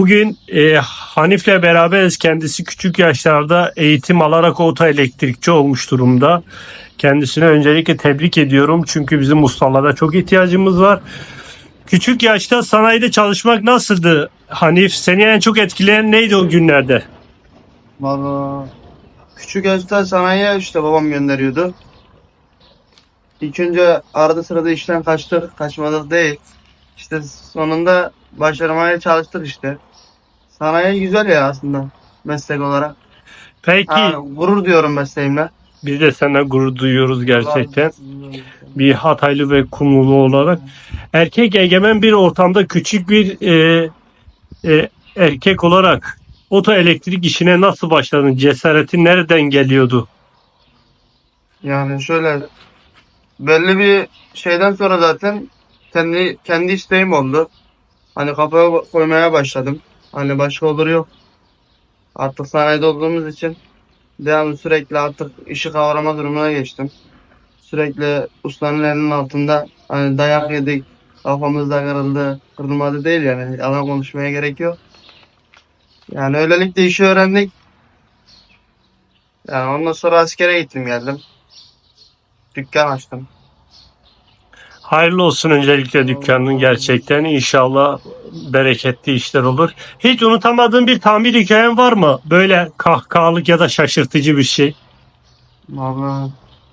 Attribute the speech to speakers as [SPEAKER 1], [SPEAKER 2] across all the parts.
[SPEAKER 1] Bugün Hanif'le beraberiz. Kendisi küçük yaşlarda eğitim alarak otoelektrikçi olmuş durumda. Kendisine öncelikle tebrik ediyorum. Çünkü bizim ustalara çok ihtiyacımız var. Küçük yaşta sanayide çalışmak nasıldı Hanif? Seni en çok etkileyen neydi o günlerde?
[SPEAKER 2] Valla küçük yaşta sanayiye işte babam gönderiyordu. İlk önce arada sırada işten kaçtık, kaçmadık değil. İşte sonunda başarmaya çalıştık işte. Sanayi güzel ya aslında meslek olarak.
[SPEAKER 1] Peki
[SPEAKER 2] Gurur diyorum mesleğimle.
[SPEAKER 1] biz de senden gurur duyuyoruz
[SPEAKER 2] Allah razı
[SPEAKER 1] gerçekten.
[SPEAKER 2] olsun.
[SPEAKER 1] Bir Hataylı ve Kumrulu olarak. Erkek egemen bir ortamda küçük bir erkek olarak otoelektrik işine nasıl başladın? Cesaretin nereden geliyordu?
[SPEAKER 2] Yani şöyle belli bir şeyden sonra zaten kendi isteğim oldu. Hani kafaya koymaya başladım. Hani başka olur yok. Artık sanayide olduğumuz için devamlı sürekli artık işi kavrama durumuna geçtim. Sürekli ustanın elinin altında hani dayak yedik, kafamız da kırıldı, kırılmadı değil yani. Yalan konuşmaya gerek yok. Yani öylelikle işi öğrendik. Yani ondan sonra askere gittim geldim. Dükkan açtım.
[SPEAKER 1] Hayırlı olsun öncelikle dükkanın
[SPEAKER 2] Allah razı
[SPEAKER 1] gerçekten. İnşallah bereketli işler olur. Hiç unutamadığın bir tamir hikayen var mı? Böyle kahkahalık ya da şaşırtıcı bir şey.
[SPEAKER 2] Vallahi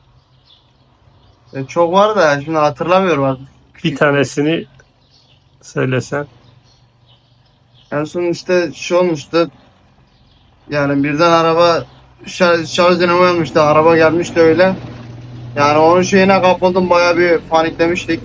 [SPEAKER 2] çok var da şimdi hatırlamıyorum artık.
[SPEAKER 1] Bir tanesini söylesen.
[SPEAKER 2] En son işte şu olmuştu. Yani birden araba şarj dinamo yanmıştı. Araba gelmişti öyle. Yani onun şeyine kapıldım, bayağı bir paniklemiştik.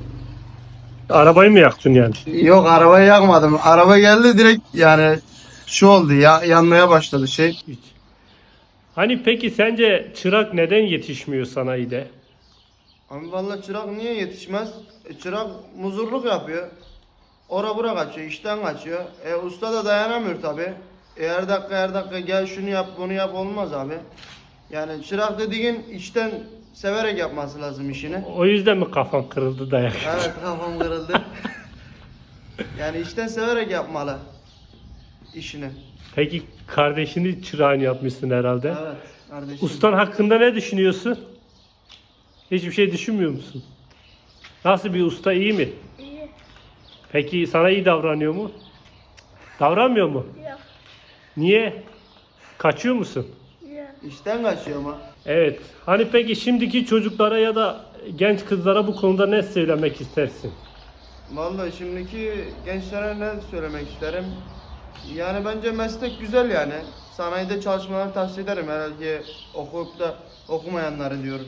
[SPEAKER 1] Arabayı mı yaktın yani?
[SPEAKER 2] Yok, arabayı yakmadım. Araba geldi direkt, yani şu oldu ya, yanmaya başladı şey.
[SPEAKER 1] Hiç. Hani peki sence çırak neden yetişmiyor sanayide?
[SPEAKER 2] Abi vallahi çırak niye yetişmez? Çırak muzurluk yapıyor. Ora bura kaçıyor, işten kaçıyor. Usta da dayanamıyor tabi. Her dakika gel şunu yap bunu yap olmaz abi. Yani çırak dediğin işten severek yapması lazım işini.
[SPEAKER 1] O yüzden mi kafan kırıldı dayak?
[SPEAKER 2] Evet, kafam kırıldı. Yani işten severek yapmalı işini.
[SPEAKER 1] Peki kardeşini çırağını yapmışsın herhalde.
[SPEAKER 2] Evet kardeşim.
[SPEAKER 1] Ustan hakkında ne düşünüyorsun? Hiçbir şey düşünmüyor musun? Nasıl bir usta, iyi mi?
[SPEAKER 3] İyi.
[SPEAKER 1] Peki sana iyi davranıyor mu? Davranmıyor mu?
[SPEAKER 3] Yok.
[SPEAKER 1] Niye? Kaçıyor musun?
[SPEAKER 3] Yok.
[SPEAKER 2] İşten kaçıyor ama.
[SPEAKER 1] Evet. Hani peki şimdiki çocuklara ya da genç kızlara bu konuda ne söylemek istersin?
[SPEAKER 2] Vallahi şimdiki gençlere ne söylemek isterim? Yani bence meslek güzel yani. Sanayide çalışmalarını tavsiye ederim. Herhalde okuyup da okumayanları diyorum.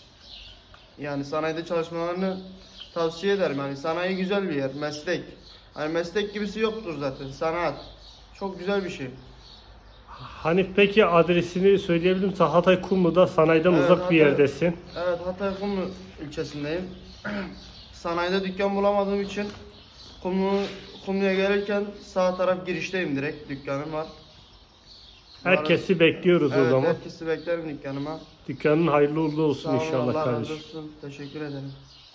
[SPEAKER 2] Yani sanayide çalışmalarını tavsiye ederim. Yani sanayi güzel bir yer, meslek. Hani meslek gibisi yoktur zaten. Sanat. Çok güzel bir şey.
[SPEAKER 1] Hani peki adresini söyleyebilir misin? Hatay Kumlu'da sanayiden
[SPEAKER 2] Evet,
[SPEAKER 1] uzak bir
[SPEAKER 2] Hatay.
[SPEAKER 1] yerdesin.
[SPEAKER 2] Evet, Hatay Kumlu ilçesindeyim. Sanayide dükkan bulamadığım için Kumlu'ya gelirken sağ taraf girişteyim, direkt dükkanım var.
[SPEAKER 1] Herkesi bekliyoruz o
[SPEAKER 2] Evet,
[SPEAKER 1] zaman.
[SPEAKER 2] herkesi beklerim dükkanıma.
[SPEAKER 1] Dükkanın hayırlı uğurlu olsun
[SPEAKER 2] Sağ olun,
[SPEAKER 1] inşallah
[SPEAKER 2] Allah razı
[SPEAKER 1] kardeşim.
[SPEAKER 2] olsun. Teşekkür ederim.